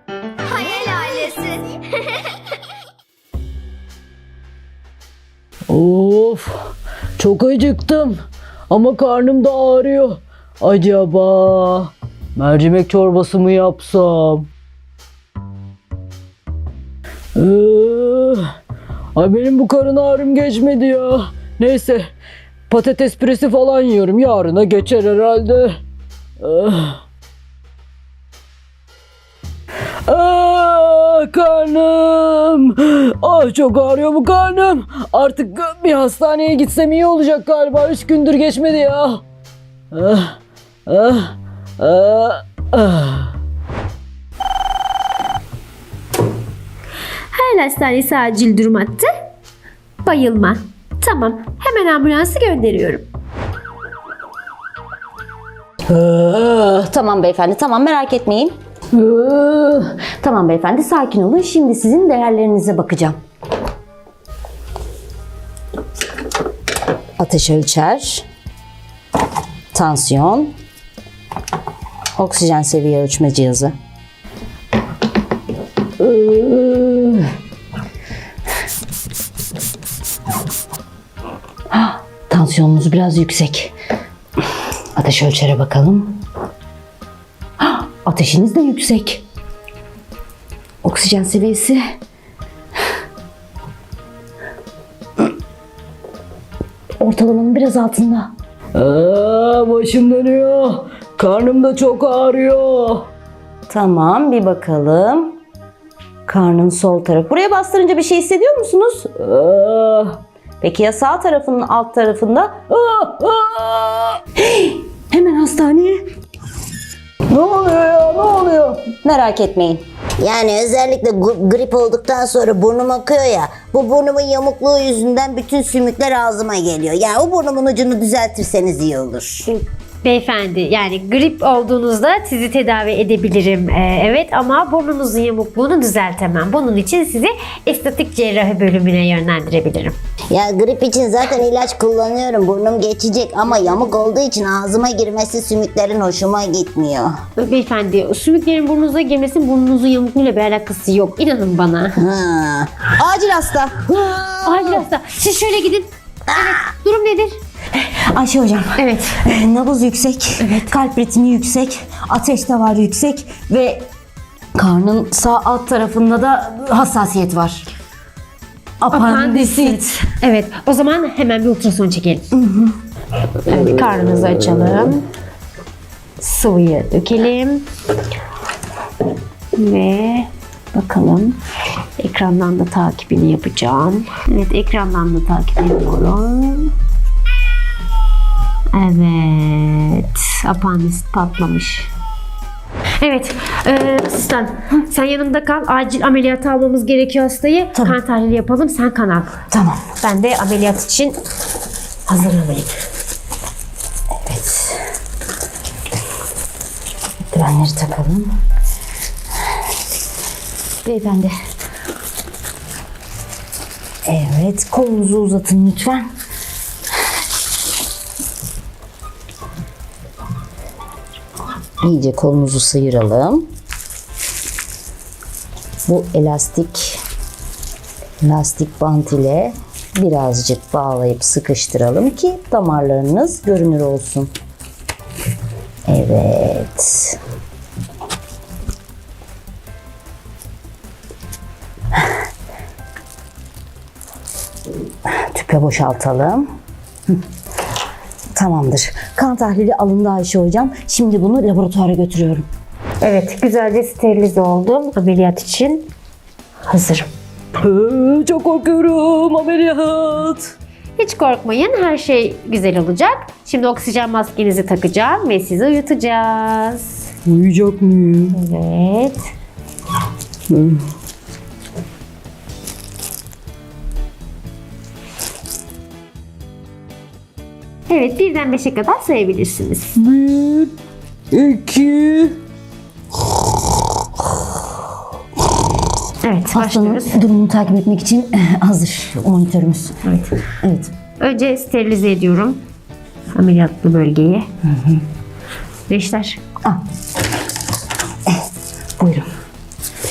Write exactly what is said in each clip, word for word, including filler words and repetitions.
Hayal ailesi. Of, çok acıktım ama karnım da ağrıyor. Acaba mercimek çorbası mı yapsam? Ee, ay benim bu karın ağrım geçmedi ya. Neyse, patates püresi falan yiyorum. Yarına geçer herhalde. Ah. Ah, karnım. Ah, çok ağrıyor bu karnım. Artık bir hastaneye gitsem iyi olacak galiba. Üç gündür geçmedi ya. Ah, ah, ah, ah. Hayal hastanesi acil durum hattı. Bayılma. Tamam, hemen ambulansı gönderiyorum. Ah, Tamam beyefendi, tamam merak etmeyin. ah. Tamam beyefendi, sakin olun. Şimdi sizin değerlerinize bakacağım. Ateş ölçer, tansiyon, oksijen seviye ölçme cihazı. Ah, tansiyonunuz biraz yüksek. Ateş ölçere bakalım. Ah, ateşiniz de yüksek. Oksijen seviyesi. Ortalamanın biraz altında. Ah, başım dönüyor. Karnım da çok ağrıyor. Tamam, bir bakalım. Karnın sol tarafı. Buraya bastırınca bir şey hissediyor musunuz? Ah, Peki ya sağ tarafının alt tarafında? ah, ah. Hemen hastaneye. Ne oluyor ya? Ne oluyor? Merak etmeyin. Yani özellikle gu- grip olduktan sonra burnum akıyor ya. Bu burnumun yamukluğu yüzünden bütün sümükler ağzıma geliyor. Yani o burnumun ucunu düzeltirseniz iyi olur. Beyefendi, yani grip olduğunuzda sizi tedavi edebilirim. Ee, evet, ama burnunuzun yamukluğunu düzeltemem. Bunun için sizi estetik cerrahi bölümüne yönlendirebilirim. Ya grip için zaten ilaç kullanıyorum. Burnum geçecek ama yamuk olduğu için ağzıma girmesi sümüklerin hoşuma gitmiyor. Beyefendi, sümüklerin burnunuza girmesinin burnunuzun yamukluğuyla bir alakası yok. İnanın bana. Ha. Acil hasta. Acil hasta. Siz şöyle gidin. Evet, durum nedir? Ayşe hocam. Evet. e, Nabız yüksek. Kalp ritmi yüksek. Ateş de var yüksek. Ve karnın sağ alt tarafında da hassasiyet var. Apandisit. Evet, o zaman hemen bir ultrason çekelim. Evet, karnınızı açalım. Sıvıyı dökelim. Ve bakalım. Ekrandan da takibini yapacağım. Evet, ekrandan da takip ediyorum. Evet, apandisit patlamış. Evet, e, asistan sen yanımda kal. Acil ameliyata almamız gerekiyor hastayı. Tamam. Kan tahlili yapalım, sen kan al. Tamam. Ben de ameliyat için hazırlanayım. Evet. Eldivenleri takalım. Beyefendi. Evet, kolunuzu uzatın lütfen. İyice kolunuzu sıyıralım. Bu elastik lastik bant ile birazcık bağlayıp sıkıştıralım ki damarlarınız görünür olsun. Evet. Tüpe boşaltalım. Hı. Tamamdır. Kan tahlili alındı Ayşe hocam. Şimdi bunu laboratuvara götürüyorum. Evet, güzelce sterilize oldum. Ameliyat için hazırım. Ah, çok korkuyorum. Ameliyat. Hiç korkmayın, her şey güzel olacak. Şimdi oksijen maskenizi takacağım ve sizi uyutacağız. Uyuyacak mıyım? Evet. Evet, birden beşe kadar sayabilirsiniz. Bir, iki. Evet, Hastanın başlıyoruz. durumunu takip etmek için eh, hazır monitörümüz. Evet. Evet. Önce sterilize ediyorum ameliyatlı bölgeyi. Reşler. Ah. Eh, buyurun.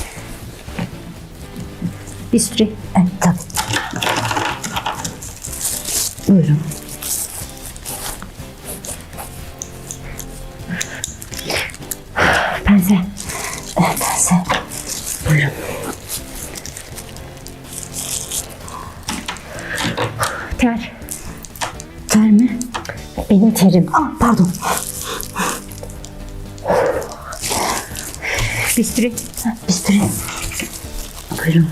Bisturi. Evet, tabii. Buyurun. Pense. Evet, pense. Buyurun. Ter. Ter mi? Benim terim. Ah, pardon. Bisturi. Bisturi. Buyurun.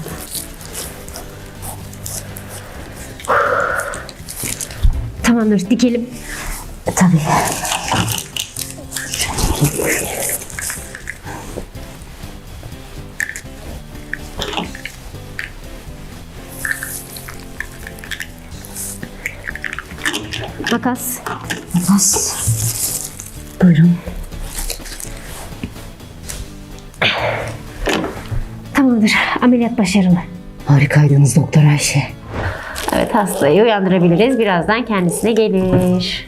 Tamamdır, dikelim. E, tabii. Makas. Makas. Buyurun. Tamamdır, ameliyat başarılı. Harikaydınız Doktor Ayşe. Evet, hastayı uyandırabiliriz. Birazdan kendisine gelir.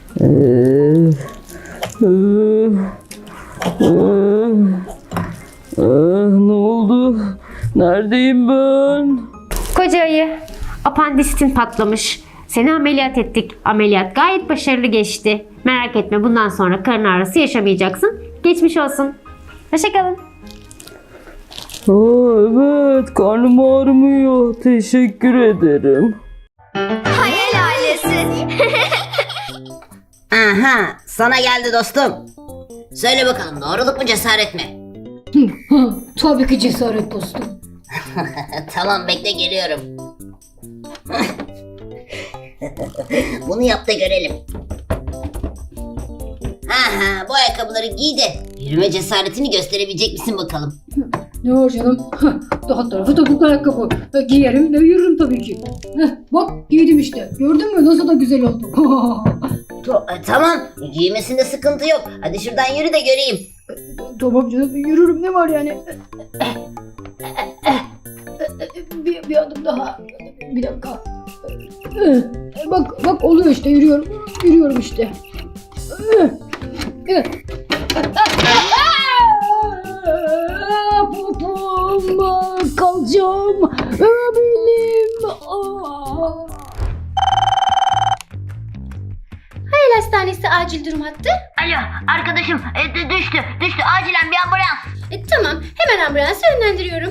Ne oldu? Neredeyim ben? Koca ayı, apandisitin patlamış. Seni ameliyat ettik. Ameliyat gayet başarılı geçti. Merak etme, bundan sonra karın ağrısı yaşamayacaksın. Geçmiş olsun. Hoşçakalın. Aa, evet, karnım ağrımıyor. Teşekkür ederim. Hayal ailesi. Aha, sana geldi dostum. Söyle bakalım, doğruluk mu cesaret mi? Tabii ki cesaret dostum. Tamam, bekle, geliyorum. Bunu yap da görelim. Aha, bu ayakkabıları giy de yürüme cesaretini gösterebilecek misin bakalım? Ne var canım? Daha tarafı topuklu ayakkabı. Giyerim ve yürürüm tabii ki. Heh, bak giydim işte. Gördün mü nasıl da güzel oldu. To- e, tamam, giymesinde sıkıntı yok. Hadi şuradan yürü de göreyim. Tamam canım yürürüm ne var yani. Bir, bir adım daha. Bir dakika. Bak bak oluyor işte yürüyorum. Yürüyorum işte. Popom, kalacağım, belim. Hayal hastanesi acil durum hattı. Alo, arkadaşım e, d- düştü, düştü. Acilen bir ambulans. E, tamam, hemen ambulansı yönlendiriyorum.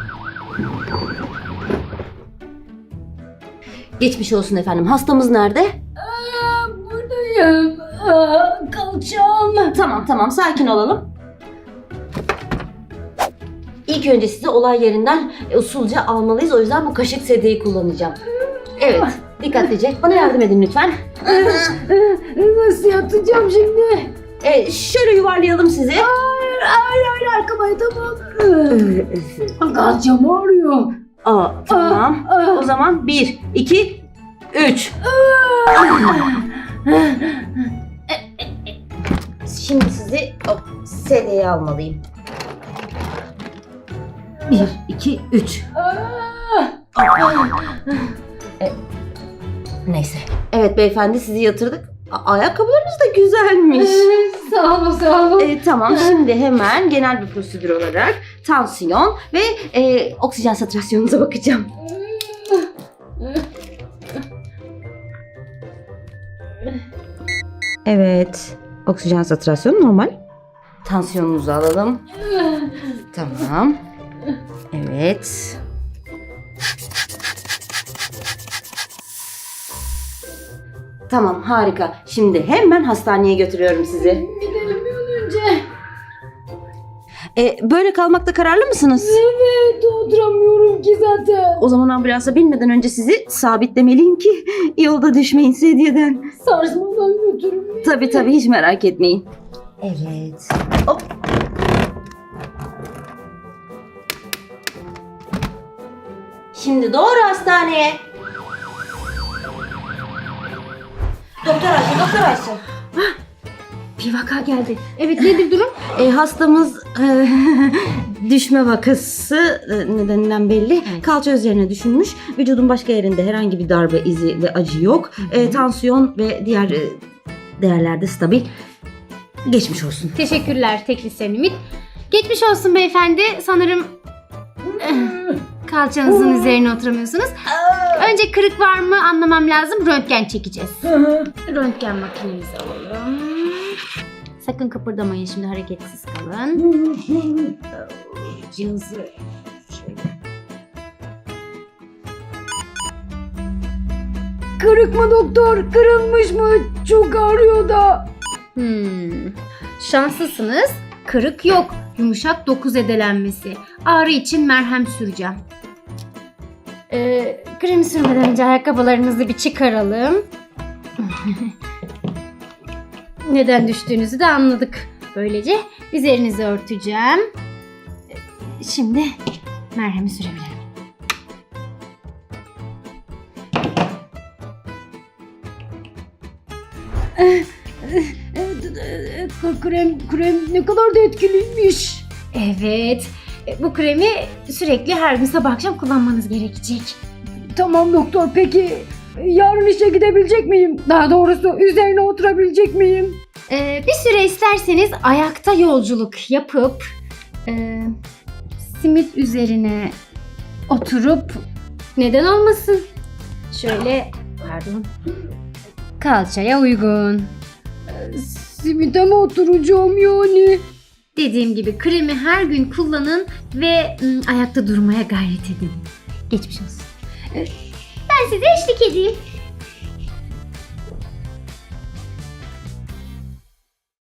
Geçmiş olsun efendim. Hastamız nerede? Aa, buradayım. Aa, kalacağım. Tamam tamam, sakin olalım. İlk önce sizi olay yerinden e, usulca almalıyız. O yüzden bu kaşık sedyeyi kullanacağım. Evet, dikkatlice. Bana yardım edin lütfen. Nasıl yatacağım şimdi? E, şöyle yuvarlayalım sizi. Hayır, hayır, hayır, arkama tamam. Kalacağım ağrıyor. Aa, tamam. Aa. O zaman bir, iki, üç. Şimdi sizi o sedyeye almalıyım. Bir, iki, üç. E, neyse. Evet beyefendi, sizi yatırdık. A- ayakkabılarınız da güzelmiş. Sağ olun, sağ olun. E, tamam, şimdi hemen genel bir prosedür olarak tansiyon ve e, oksijen saturasyonunuza bakacağım. Evet, oksijen satürasyonu normal. Tansiyonunuzu alalım. Tamam. Evet. Tamam, harika. Şimdi hemen hastaneye götürüyorum sizi. Gidelim bir an önce. E, böyle kalmakta kararlı mısınız? Evet, oturamıyorum ki zaten. O zaman ambulansa binmeden önce sizi sabitlemeliyim ki yolda düşmeyin sedyeden. Sarsmadan götürün. Tabii tabii, hiç merak etmeyin. Evet. Hop. Şimdi doğru hastaneye. Doktor Ayşe, Doktor Ayşe. Bir vaka geldi. Evet, nedir durum? E, hastamız e, düşme vakası e, nedeninden belli. Kalça üzerine düşünmüş. Vücudun başka yerinde herhangi bir darbe izi ve acı yok. E, tansiyon ve diğer e, değerlerde stabil. Geçmiş olsun. Teşekkürler teknisyen Ümit. Geçmiş olsun beyefendi. Sanırım eh, kalçanızın üzerine oturamıyorsunuz? Önce kırık var mı anlamam lazım. Röntgen çekeceğiz. Röntgen makinemizi alalım. Sakın kıpırdamayın, şimdi hareketsiz kalın. Cihazı şöyle. Kırık mı doktor? Kırılmış mı? Çok ağrıyor da. Hmm. Şanslısınız. Kırık yok. Yumuşak doku zedelenmesi. Ağrı için merhem süreceğim. Ee, kremi sürmeden önce ayakkabılarınızı bir çıkaralım. Neden düştüğünüzü de anladık. Böylece üzerinizi örteceğim. Şimdi merhemi sürebilirim. Krem, krem ne kadar da etkiliymiş. Evet. Bu kremi sürekli her gün sabah akşam kullanmanız gerekecek. Tamam doktor, peki yarın işe gidebilecek miyim? Daha doğrusu üzerine oturabilecek miyim? Ee, bir süre isterseniz ayakta yolculuk yapıp e, simit üzerine oturup neden olmasın? Şöyle, pardon, kalçaya uygun. Simite mi oturacağım yani? Dediğim gibi kremi her gün kullanın ve ım, ayakta durmaya gayret edin. Geçmiş olsun. Ben size eşlik edeyim.